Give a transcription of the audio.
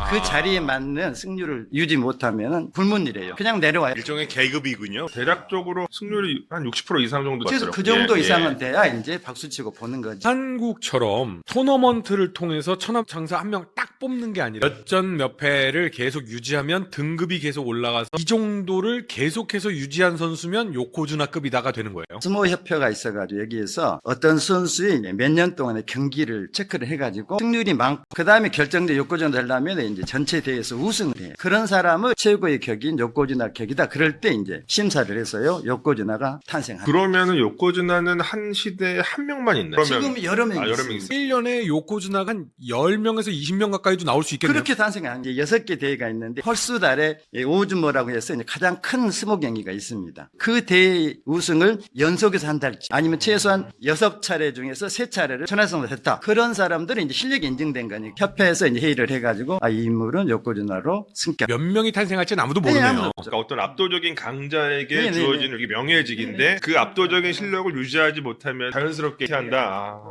그 자리에 맞는 승률을 유지 못하면 굶은일이에요. 그냥 내려와요. 일종의 계급이군요. 대략적으로 승률이 한 60% 이상 정도 그래서 같더라고요. 그 정도 예, 이상은 예. 돼야 이제 박수치고 보는 거지. 한국처럼 토너먼트를 통해서 천하장사 한 명 딱 뽑는 게 아니라 몇 전 몇 패를 계속 유지하면 등급이 계속 올라가서 이 정도를 계속해서 유지한 선수면 요코즈나급이다가 되는 거예요. 스모 협회가 있어가지고 여기에서 어떤 선수의 몇 년 동안의 경기를 체크를 해가지고 승률이 많고 그 다음에 결정된 요코즈나 되려면 이제 전체 대회에서 우승을 해요. 그런 사람을 최고의 격인 요코즈나 격이다. 그럴 때 이제 심사를 해서요 요코즈나가 탄생합니다. 그러면은 요코즈나는 한 시대에 한 명만 있나요? 지금 여러 명이 여러 있습니다. 명 있어요. 1년에 요코즈나가 한 10명에서 20명 가까이도 나올 수 있겠네요. 그렇게 탄생한 게 6개 대회가 있는데 헐수달에 오즈모라고 해서 이제 가장 큰 스모 경기가 있습니다. 그 대회 우승을 연속해서 한 달치 아니면 최소한 6차례 중에서 3차례를 천하성을 했다. 그런 사람들은 이제 실력이 인증된 거니까 협회에서 이제 회의를 해가지고 이 인물은 요코즈나로 승격. 몇 명이 탄생할지는 아무도 네, 모르네요. 아무도 그러니까 어떤 압도적인 강자에게 네, 네, 주어지는 이게 명예직인데 그 압도적인 실력을 유지하지 못하면 자연스럽게 한다.